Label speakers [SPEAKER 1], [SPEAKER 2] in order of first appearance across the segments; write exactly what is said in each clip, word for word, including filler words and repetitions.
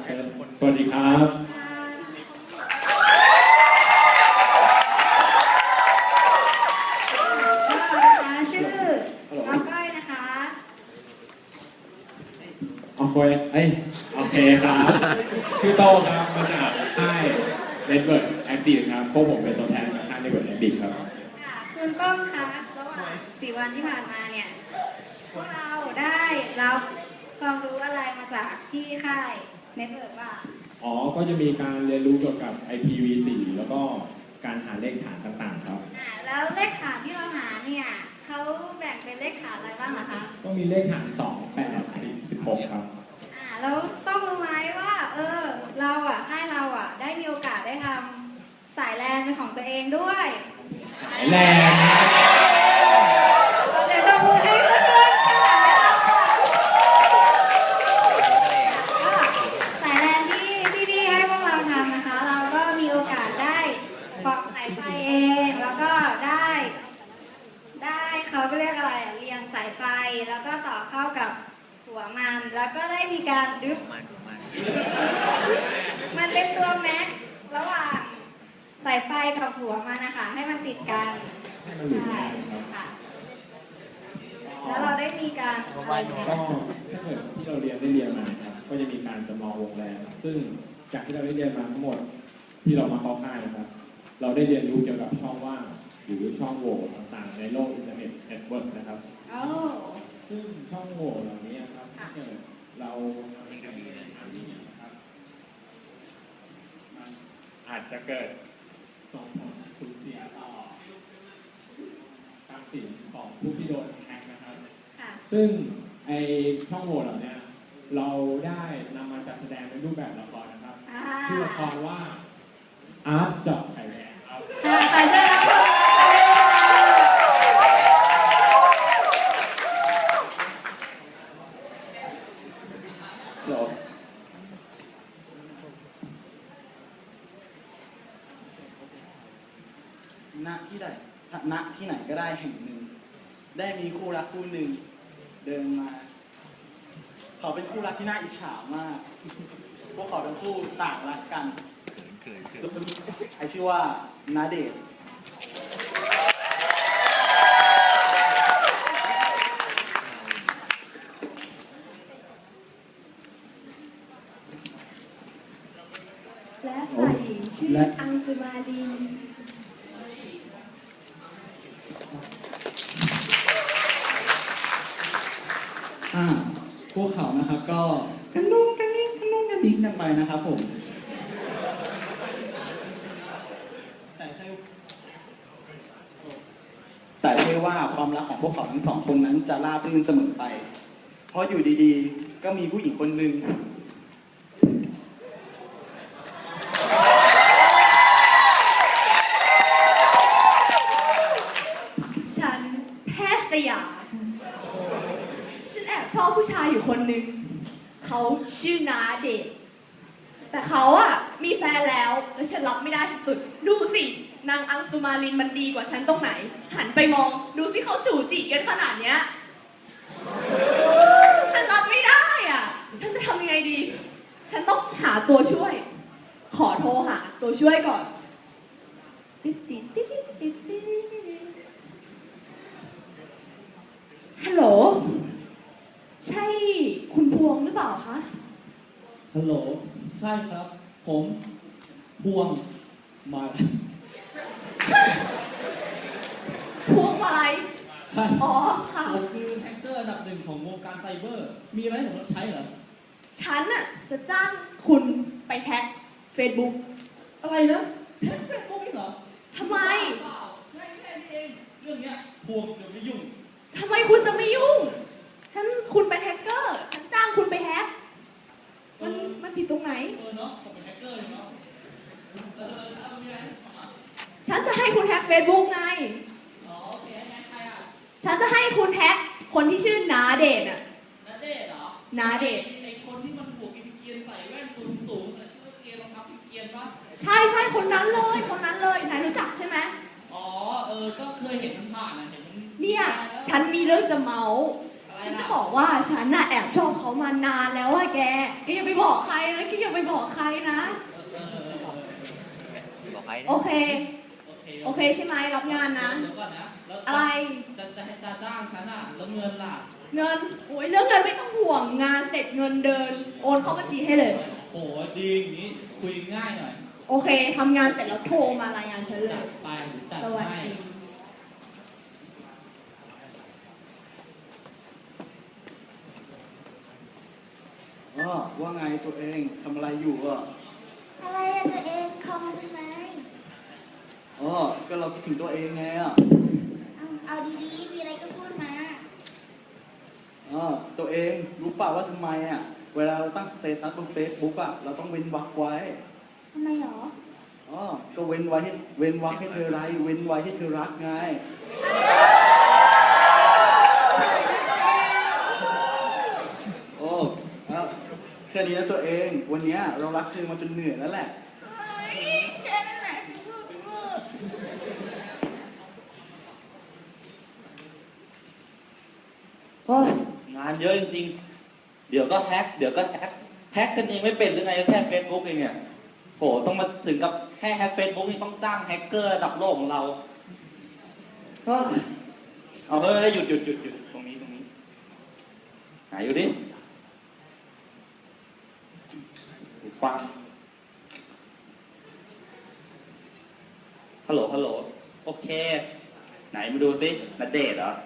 [SPEAKER 1] เชิญสวัสดีครับ
[SPEAKER 2] ชื่อน้องก้อยนะคะ
[SPEAKER 1] โอเคเอ้ยโอเคครับ ชื่อโต้ครับมาจากค่าย Network Active ครับพวกผมเป็นตัวแทนจากค่าย Network Active ครับ
[SPEAKER 2] ค่ะคุณป้องคะระหว่างสี่วันที่ผ่านมาเนี่ยพวกเราได้รับความรู้อะไรมาจากที่ค่าย Network บ้าง
[SPEAKER 1] อ๋อก็จะมีการเรียนรู้เกี่ยวกับ ไอ พี วี โฟร์ แล้วก็การหาเลขฐานต่างๆครับ
[SPEAKER 2] อ่าแล้วเลขฐานที่เราหาเนี่ยเขาแบ่งเป็นเลขฐานอะไรบ้างล่ะคะ
[SPEAKER 1] ก็มีเลขฐานสอง แปด สิบ สิบหกครับ
[SPEAKER 2] อ่าแล้วต้องรู้ไหมว่าเออเราอ่ะค่ายเราอ่ะได้มีโอกาสได้ทำสายแลนเป็นของตัวเองด้วย
[SPEAKER 1] สายแลน
[SPEAKER 2] เราจะต้องพูดให้เพื่อนๆกันสายแลนที่พี่ๆให้พวกเราทำนะคะเราก็มีโอกาสได้ปอกสายไฟเองแล้วก็ได้ได้เขาเรียกอะไรเรียงสายไฟแล้วก็ต่อเข้ากับหัวมันแล้วก็ได้มีการดึ๊บมันเป็นตัวแม็กระหว่างสายไฟกับหัวมันนะคะให้มันติดกันใช่ค่ะแล้วเราได้มีการอะไรเนี่ย
[SPEAKER 1] ก็ถ้าเกิดที่เราเรียนได้เรียนมาครับก็จะมีการจำลองวงแรมซึ่งจากที่เราได้เรียนมาทั้งหมดที่เรามาเข้าค่ายนะครับเราได้เรียนรู้เกี่ยวกับช่องว่างหรือช่องโหว่ต่างๆในโลกอินเทอร์เน็ตเน็ตเวิร์กนะครับซึ่งช่องโหว่เหล่านี้ครับถ้าเกิดเราทำในทางที่นะครับมันอาจจะเกิดส่งผลสูญเสียต่อทรัพย์สินของผู้ที่โดนแฮกนะครับซึ่งไอช่องโหว่เหล่านี้เราได้นำมาจัดแสดงในรูปแบบละครนะครับชื่อละครว่าอาร์ตเจาะไข่แดงครับ
[SPEAKER 2] ใครเชื่อครับ
[SPEAKER 3] ณที่ใดณที่ไหนก็ได้แห่งหนึ่งได้มีคู่รักคู่หนึ่งเดินมาเขาเป็นคู่รักที่น่าอิจฉามากพวกเขาทั้งคู่ต่างรักกันใครชื่อว่าณเดชน์
[SPEAKER 4] และฝ่ายหญิงชื่ออังสุมาลิน
[SPEAKER 3] อ่าพวกเขานะครับก็กันนุ่งกันนิ่งกันนุ่งกันนิ่งกันไปนะครับผมแต่ใช่แต่ใช่ว่าความรักของพวกเขาทั้งสองคนนั้นจะราบรื่นเสมอไปเพราะอยู่ดีๆก็มีผู้หญิงคนหนึ่ง
[SPEAKER 4] ฉันแพทย์สยามฉันแอบชอบผู้ชายอยู่คนหนึ่งเขาชื่อนาเดชแต่เขาอะมีแฟนแล้วและฉันรับไม่ได้สุดๆดูสินางอังสุมาลินมันดีกว่าฉันตรงไหนหันไปมองดูสิเขาจู่จีกันขนาดเนี้ยฉันรับไม่ได้อะฉันจะทำยังไงดีฉันต้องหาตัวช่วยขอโทรหาตัวช่วยก่อนติ๊ดติ๊ดติ๊ดติ๊ดติ๊ดฮัลโหลใช่คุณพวงหรือเปล่าคะ
[SPEAKER 5] ฮัลโหลใช่ครับผมพวงมา
[SPEAKER 4] พวงมาลัยอ๋อค่ะ
[SPEAKER 5] ผมคือแฮกเกอร์อันดับหนึ่งของวงการไซเบอร์มีอะไรให้ผมรับใช้เหรอ
[SPEAKER 4] ฉันน่ะจะจ้างคุณไปแฮ็ก Facebook
[SPEAKER 5] อะไรนะแฮกเฟซบุ๊กเหรอ
[SPEAKER 4] ทำไม
[SPEAKER 5] เปล่าง่ายแค่นี้เองเรื่องเนี้ยพวงจะไม่ยุ่ง
[SPEAKER 4] ทำไมคุณจะไม่ยุ่งฉันคุณเป็นแฮกเกอร์ฉันจ้างคุณไปแฮ็กมันมันผิดตรงไหน
[SPEAKER 5] เออเนาะผมเป็นแฮกเกอร์เนาะเออเอามีอะไร
[SPEAKER 4] ฉันจะให้คุณแฮ็ก Facebook ไง
[SPEAKER 5] อ๋อโอเคแฮกใครอ่ะ
[SPEAKER 4] ฉันจะให้คุณแฮ็กคนที่ชื่อนาเดชอ่ะ
[SPEAKER 5] นาเดชเหรอ
[SPEAKER 4] นาเดช
[SPEAKER 5] ไอ้คนที่มันหัวกินเกียนใส่แว่นตูนสูงใส่เสื้อเกียนรองเท้าเกียนป่ะ
[SPEAKER 4] ใช่ใช่คนนั้นเลยคนนั้นเลยนายรู้จักใช่ไหม
[SPEAKER 5] อ๋อเออก็เคยเห็นมันผ่านอ่ะเห็นมัน
[SPEAKER 4] เนี่ยฉันมีเรื่องจะเมา
[SPEAKER 5] อะไร
[SPEAKER 4] ฉันจะบอกว่าฉันน่ะแอบชอบเขามานานแล้วอะแก แกอย่าไปบอกใครนะ แกอย่าไปบอกใครนะ
[SPEAKER 6] บอกใคร
[SPEAKER 4] โอเค
[SPEAKER 5] โอเค
[SPEAKER 4] โอเคใช่ไหมรับงานนะ
[SPEAKER 5] เดี๋ยวก่อนนะแล้ว
[SPEAKER 4] อะไร
[SPEAKER 5] จะจะให้จะจ้างฉันอ่ะแล้วเงินล่ะ
[SPEAKER 4] เงิน โอ้ยเรื่องเงินไม่ต้องห่วง งานเสร็จเงินเดิน โอนเข้าบัญชีให้เลย
[SPEAKER 5] โหดีอย่างนี้คุยง่ายหน่อย
[SPEAKER 4] โอเคทำงานเสร็จแล้วโทรมารายงานฉันเล
[SPEAKER 5] จั
[SPEAKER 4] ย
[SPEAKER 5] ดไปหรือจัด
[SPEAKER 4] สวัส
[SPEAKER 5] ให้
[SPEAKER 4] ดี
[SPEAKER 3] อ๋อว่าไงตัวเองทำอะไรอยู่อ่ะ
[SPEAKER 2] อะไรอะตัวเองคอมทำไม
[SPEAKER 3] อ๋อก็เราคิดถึงตัวเองไงอ่ะ
[SPEAKER 2] เอาเอาดีๆ มีอะไรก็พูดมา
[SPEAKER 3] อ๋อตัวเองรู้เปล่าว่าทำไมอ่ะ เวลาเราตั้งสเตตัสบนเฟซบุ๊กอ่ะ เราต้องเว้นวรรคไว้
[SPEAKER 2] ทำไมหรอ
[SPEAKER 3] อ๋อ ก็เว้นไว้ให้เว้นวรรคให้เธอไรเว้นไว้ให้เธอรักไง โอ้แล้วแค่นี้นะตัวเอง วันเนี้ยเรารักเธอมาจนเหนื่อยแล้วแหละ
[SPEAKER 2] แค่นั้นแหละจุ๊บจุ๊บ
[SPEAKER 6] เฮ้ยงานเยอะจริงๆ เดี๋ยวก็แฮกเดี๋ยวก็แฮกแฮกกันเองไม่เป็นหรือไงแค่เฟซบุ๊กเองเนี่ยโหต้องมาถึงกับแค่แฮกเฟซบุ๊กนี่ต้องจ้างแฮกเกอร์ระดับโลกของเราเฮ้ยเอาเฮ้ยหยุดหยุดหยุดหยุดตรงนี้ตรงนี้หาอยู่ดิฟังฮัลโหลฮัลโหลโอเค ไหนมาดูสิณเดชน์เหรอ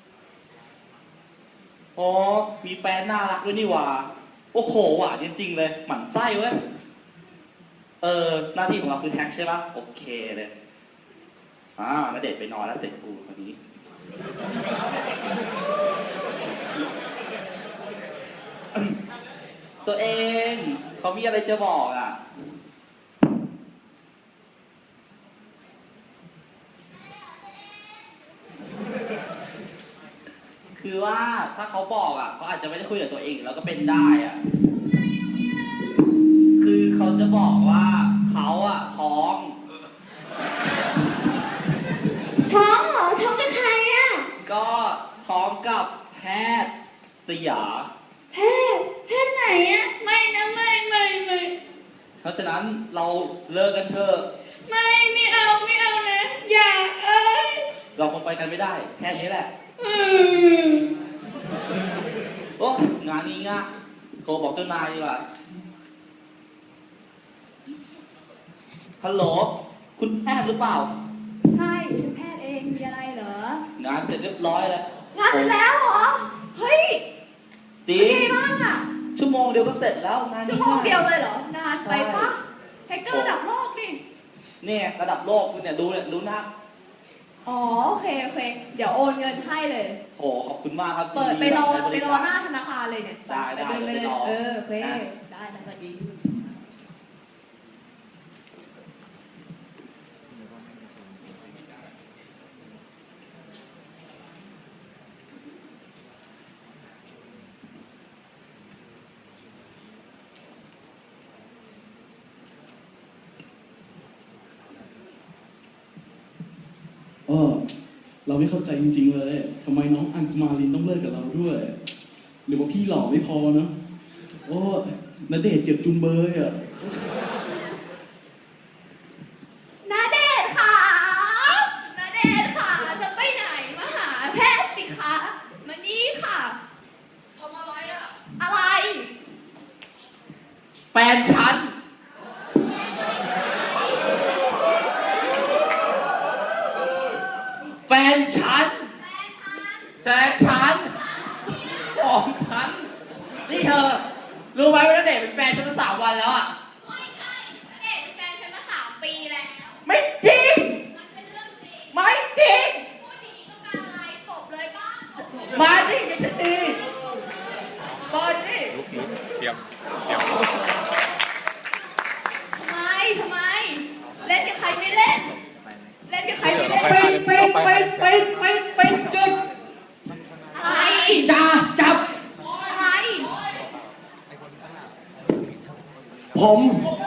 [SPEAKER 6] อ๋อมีแฟนน่ารักด้วยนี่หว่าโอ้โหหวานจริงๆเลยหมั่นไส้เว้ยเออหน้าที่ของเราคือแฮกใช่ปะโอเคเลยอ่าณเดชน์ไปนอนแล้วเสร็จกูคนนี้ ตัวเองเขามีอะไรจะบอกอ่ะ คือว่าถ้าเขาบอกอ่ะเขาอาจจะไม่ได้คุยกับตัวเองแล้วก็เป็นได้อ่ะ คือเขาจะบอกว่าเขาอ่ะท้อง
[SPEAKER 2] ท้องเหรอ ท้องกับใครอะ
[SPEAKER 6] ก็ท้องกับแพทย์สยา
[SPEAKER 2] แพทย์แพทย์ไหนอะไม่นะไม่ไม่ไม่
[SPEAKER 6] เพราะฉะนั้นเราเลิกกันเถอะ
[SPEAKER 2] ไม่ไม่เอาไม่เอานะ อย่าเอ้ย
[SPEAKER 6] เราคงไปกันไม่ได้ แค่นี้แหละ
[SPEAKER 2] อืม
[SPEAKER 6] โอ้งานนี้ง่ะโทรบอกเจ้านายดีกว่าฮัลโหลคุณแพทย์หรือเปล่า
[SPEAKER 4] ใช่ฉันแพทย์เองมีอะไรเหรอ
[SPEAKER 6] งานเสร็จเรียบร้อยแล้ว
[SPEAKER 4] งานเสร็จแล้วเหรอ เฮ้ย
[SPEAKER 6] จริ
[SPEAKER 4] เป็น
[SPEAKER 6] ง
[SPEAKER 4] ไงบ้างอะ
[SPEAKER 6] ชั่วโมงเดียวก็เสร็จแล้วงาน
[SPEAKER 4] ชั่ว
[SPEAKER 6] นี้
[SPEAKER 4] โมงเดียวเลยเหรอ นานไปปะ
[SPEAKER 6] ใช่
[SPEAKER 4] แฮกเกอร์ระดับโลกนี่
[SPEAKER 6] เนี่ยระดับโลกเนี่ยดูเนี่ยดูหน้า
[SPEAKER 4] อ๋อโอเคโอเค เดี๋ยวโอนเงินให้เลย
[SPEAKER 6] โหขอบคุณมากครับ
[SPEAKER 4] เปิด
[SPEAKER 6] ที่
[SPEAKER 4] ไปรอ
[SPEAKER 6] ใช้บ
[SPEAKER 4] ไป
[SPEAKER 6] ริ
[SPEAKER 4] ร
[SPEAKER 6] กา
[SPEAKER 4] อหน้าธนาคารเลยเนี่ย
[SPEAKER 6] ได้ได้
[SPEAKER 4] ไปเลยไปเลย
[SPEAKER 6] ไปรอ
[SPEAKER 4] เออโอเค
[SPEAKER 6] นะ
[SPEAKER 4] ได้ได้สวัสดี
[SPEAKER 7] เออเราไม่เข้าใจจริงๆเลยทำไมน้องอังสมาลินต้องเลิกกับเราด้วย หรือว่าพี่หล่อไม่พอเนอะโอ้ณเดชน์เจ็บจุงเบยอ่ะ
[SPEAKER 4] นาเดชน์ค่ะนาเดชน์ค่ะ จะไปไหนมาหาแพทย์สิคะมานี่ค่ะทำอะไรอะอะไร
[SPEAKER 6] แฟนฉัน แฟนฉันแฟนฉันของฉัน นี่เธอ รู้ไหมว่าณเดชน์เป็นแฟนฉันมาสามวันแล้วอ่ะ
[SPEAKER 4] ไม่ใช่นาเดชน์เป็นแฟนฉันมาสามปีแล้ว
[SPEAKER 6] ไม่จริง
[SPEAKER 4] มันเป็นเรื่องจริง
[SPEAKER 6] ไม่จริง
[SPEAKER 4] พูดอย่างนี้ต้องการอะไรตบเลยป้าตบเลย
[SPEAKER 6] มาดิดิฉันดีบอลดิ
[SPEAKER 4] ทำไมทำไม เล่นกับใครไม่เล่น เล่นกับใครไม่เล่น
[SPEAKER 6] ปิดปิดปิดปิดปิดปิดจุด
[SPEAKER 4] อะไร
[SPEAKER 6] จ้าจับ
[SPEAKER 4] อะไร
[SPEAKER 6] ผม